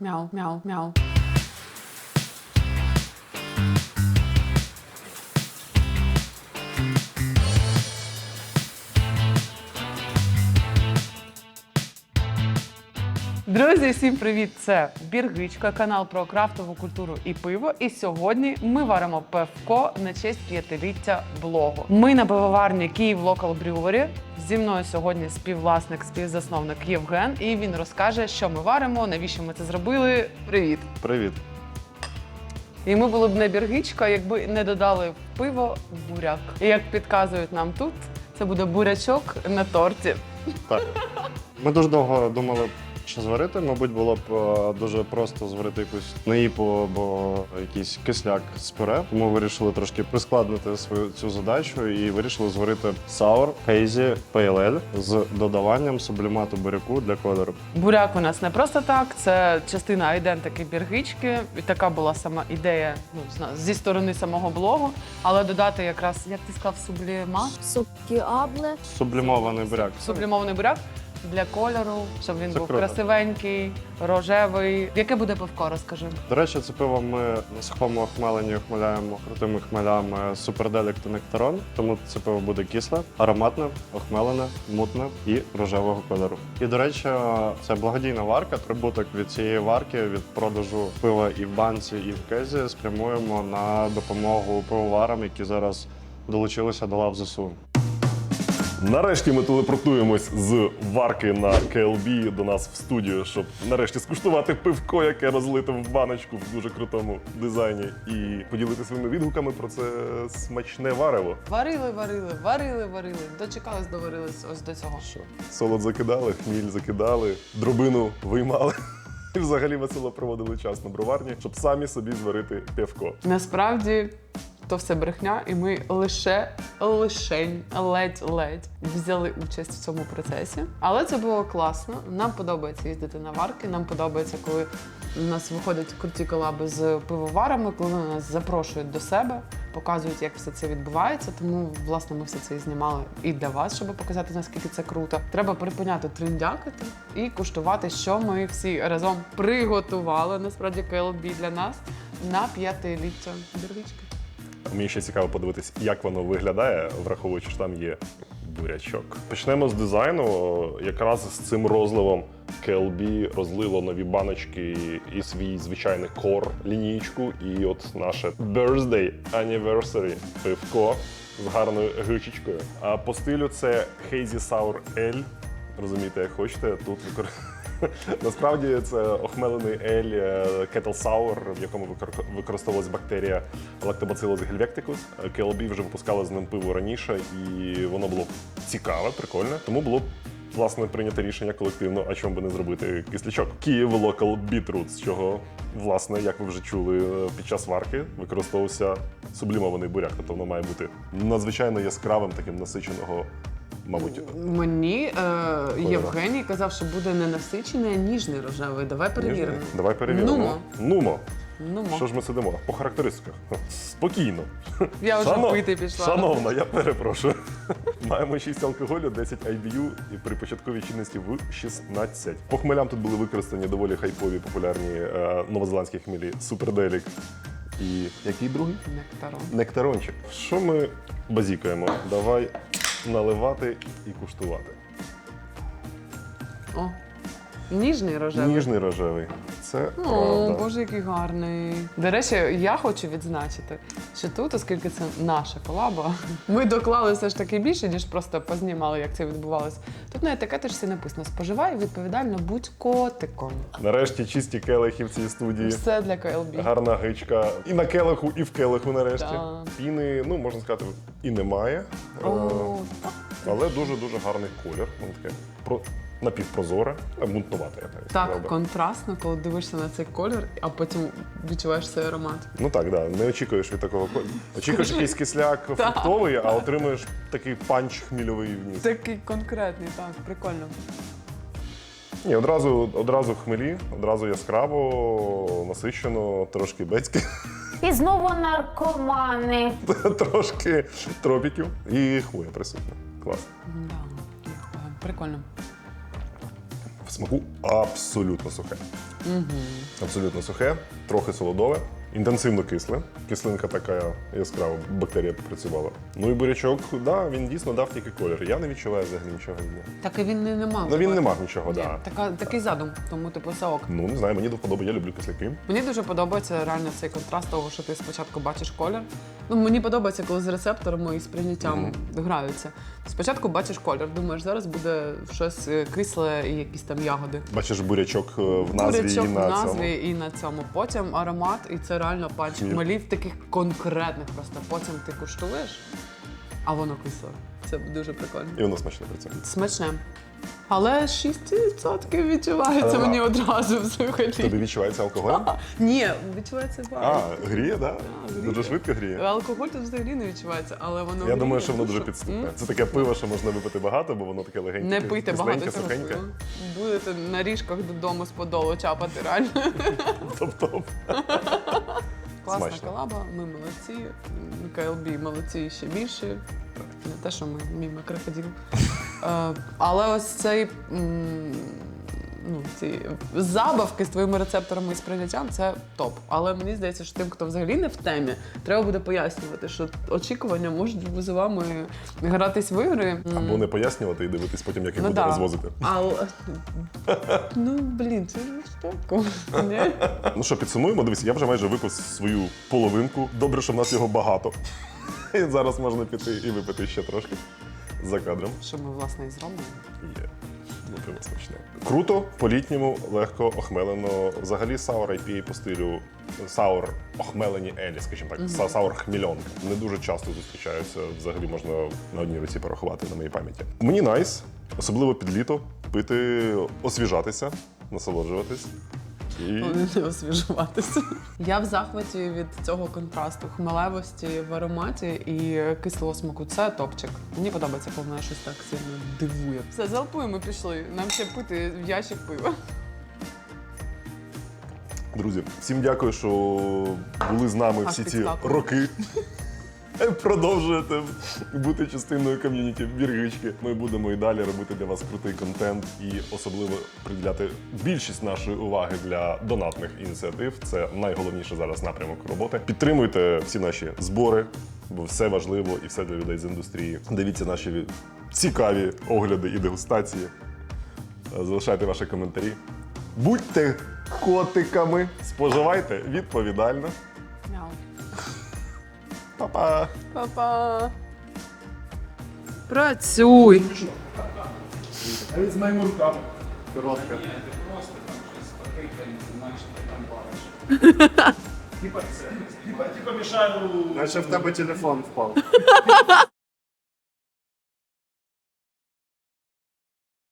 Мяу, мяу, мяу. Друзі, всім привіт! Це Біргичка, канал про крафтову культуру і пиво. І сьогодні ми варимо пивко на честь 5-ліття блогу. Ми на пивоварні Київ Local Brewery. Зі мною сьогодні співвласник, співзасновник Євген. І він розкаже, що ми варимо, навіщо ми це зробили. Привіт! Привіт. І ми були б не Біргичка, якби не додали в пиво буряк. І як підказують нам тут, це буде бурячок на торті. Так. Ми дуже довго думали, що зварити. Мабуть, було б дуже просто зварити якусь наїпу або якийсь кисляк з пюре. Тому вирішили трошки прискладнити цю задачу і вирішили зварити Sour Hazy Pale Ale з додаванням сублімату буряку для кольору. Буряк у нас не просто так, це частина айдентики Біргички. І така була сама ідея зі сторони самого блогу. Але додати якраз, як ти сказав, Сукіабле. Сублімований буряк. сублімований буряк для кольору, щоб він Це був круто. красивенький, рожевий. Яке буде пивко, розкажи. До речі, це пиво ми на сухому охмеленні охмеляємо крутими хмелями Суперделік та Нектарон. Тому це пиво буде кисле, ароматне, охмелене, мутне і рожевого кольору. І, до речі, це благодійна варка. Прибуток від цієї варки, від продажу пива і в банці, і в кезі спрямуємо на допомогу пивоварам, які зараз долучилися до лав ЗСУ. Нарешті ми телепортуємось з варки на КЛБ до нас в студію, щоб нарешті скуштувати пивко, яке розлите в баночку в дуже крутому дизайні, і поділитися своїми відгуками про це смачне варево. Варили. Дочекались, доварились ось до цього. Що? Солод закидали, хміль закидали, дробину виймали. І взагалі весело проводили час на броварні, щоб самі собі зварити пивко. Насправді, то все брехня, і ми ледь взяли участь в цьому процесі. Але це було класно. Нам подобається їздити на варки, нам подобається, коли у нас виходять круті колаби з пивоварами, коли вони нас запрошують до себе, показують, як все це відбувається. Тому, власне, ми все це і знімали і для вас, щоб показати, наскільки це круто. Треба припиняти триндякати і куштувати, що ми всі разом приготували, насправді, КЛБ для нас на 5-ліття Біргички. Мені ще цікаво подивитись, як воно виглядає, враховуючи, що там є бурячок. Почнемо з дизайну. Якраз з цим розливом KLB розлило нові баночки і свій звичайний кор лінійку. І от наше Birthday Anniversary пивко з гарною гичечкою. А по стилю це Hazy Sour Ale. Розумієте, як хочете. Тут насправді це охмелений ель Kettle Sour, в якому використовувалась бактерія Lactobacillus helvecticus. KLB вже випускали з ним пиво раніше, і воно було цікаве, прикольне. Тому було власне прийнято рішення колективно, а чому би не зробити кислячок. Київ Local Beetroot, з чого, власне, як ви вже чули, під час варки використовувався сублімований буряк. Тобто воно має бути надзвичайно яскравим, таким насиченого. Мабуть, мені Євгеній казав, що буде не насичений, а ніжний рожевий. Давай перевіримо. Ніжний? Давай перевіримо. Нумо. Що ж ми сидимо? По характеристиках. Спокійно. Я вже пити пішла. Шановна, я перепрошую. Маємо 6 алкоголю, 10 IBU і при початковій чинності в 16. По хмелям тут були використані доволі хайпові, популярні новозеландські хмелі Суперделік і який другий? Нектарон. Нектарончик. Що ми базікаємо? Давай наливати і куштувати. О, ніжний рожевий. Ніжний рожевий. Це О, правда. Боже, який гарний. До речі, я хочу відзначити, що тут, оскільки це наша колаба, ми доклали все ж таки більше, ніж просто познімали, як це відбувалося. Тут на етикеточці написано «Споживай відповідально, будь котиком». Нарешті чисті келихи в цій студії. Все для КЛБ. Гарна гичка. І на келиху, і в келиху нарешті. Да. Піни, можна сказати, і немає. О, Але дуже-дуже гарний колір. Воно таке напівпрозоре, мутнувате, я навіть сказав так би. контрастно, коли дивишся на цей колір, а потім відчуваєш цей аромат. Ну так, да. Не очікуєш від такого кольору. Очікуєш якийсь кисляк фруктовий, а отримуєш такий панч хмільовий вниз. Такий конкретний, так, прикольно. Ні, одразу хмелі, одразу яскраво, насичено, трошки бецьки, І знову наркомани. трошки тропіків і хвоя присутня. Клас. Да, прикольно. В смаку абсолютно сухе. Абсолютно сухе, трохи солодове, інтенсивно кисле. Кислинка така яскрава, бактерія попрацювала. Ну і бурячок, да, він дійсно дав тільки колір. Я не відчуваю взагалі нічого від нього. Так і він не мав. Ну він не мав нічого, Ні, да. такий задум, тому типу все ок. Ну не знаю, мені до вподоби, я люблю кисляки. Мені дуже подобається реально цей контраст того, що ти спочатку бачиш колір. Ну, мені подобається, коли з рецепторами і з прийняттям граються. Спочатку бачиш колір, думаєш, зараз буде щось кисле і якісь там ягоди. Бачиш бурячок в назві Бурячок і в на назві цьому. і на цьому. Потім аромат, і це реально панч Хміль. хмелів таких конкретних просто. Потім ти куштуєш, а воно кисле. Це дуже прикольно. І воно смачне при цьому. Смачне. Але 6% відчувається Але- мені одразу взагалі. Тобі відчувається алкоголь? Ні, відчувається А, багато. гріє, да? гріє. Дуже швидко гріє. Алкоголь тут взагалі не відчувається, але воно Я гріє думаю, що воно дуже душу. підступне. Це таке пиво, що можна випити багато, бо воно таке легеньке. Не пийте кисленьке, багато цього сухеньке. пива. Будете на ріжках додому з подолу чапати реально. Топ-топ. Класна Смачно. колаба, ми молодці. КЛБ молодці ще більше. Не те, що ми мімо крокодил. Але ось цей ці забавки з твоїми рецепторами і сприйняттям це топ. Але мені здається, що тим, хто взагалі не в темі, треба буде пояснювати, що очікування можуть з вами гратись в ігри. Або не пояснювати і дивитись потім, як їх буде да. розвозити. Але ну блін, це жорстоко. Ні? Ну що, підсумуємо. Дивись, я вже майже випив свою половинку. Добре, що в нас його багато. І зараз можна піти і випити ще трошки за кадром. Що ми, власне, і зробимо. Є. Ну, пиво смачне. Круто, по-літньому, легко, охмелено. Взагалі саур IPA по стилю саур охмелені елі, скажімо так. Саур хмільонка. Не дуже часто зустрічаються. Взагалі можна на одній руці порахувати на моїй пам'яті. Мені найс, особливо під літо, пити, освіжатися, насолоджуватись. І Не освіжуватися. Я в захваті від цього контрасту хмелевості в ароматі і кислого смаку. Це топчик. Мені подобається, коли мене щось так сильно дивує. Все, залпуємо, пішли. Нам ще пити в ящик пива. друзі, всім дякую, що були з нами всі ці підскакую. роки. Продовжуєте бути частиною ком'юніті Біргички. Ми будемо і далі робити для вас крутий контент і особливо приділяти більшість нашої уваги для донатних ініціатив. Це найголовніше зараз напрямок роботи. Підтримуйте всі наші збори, бо все важливо і все для людей з індустрії. Дивіться наші цікаві огляди і дегустації. Залишайте ваші коментарі. Будьте котиками, споживайте відповідально. Мяу. Па-па! Па-па. Працюй. З моїми руками. Коротко. Типа мішаю. Наче в тебе телефон впав.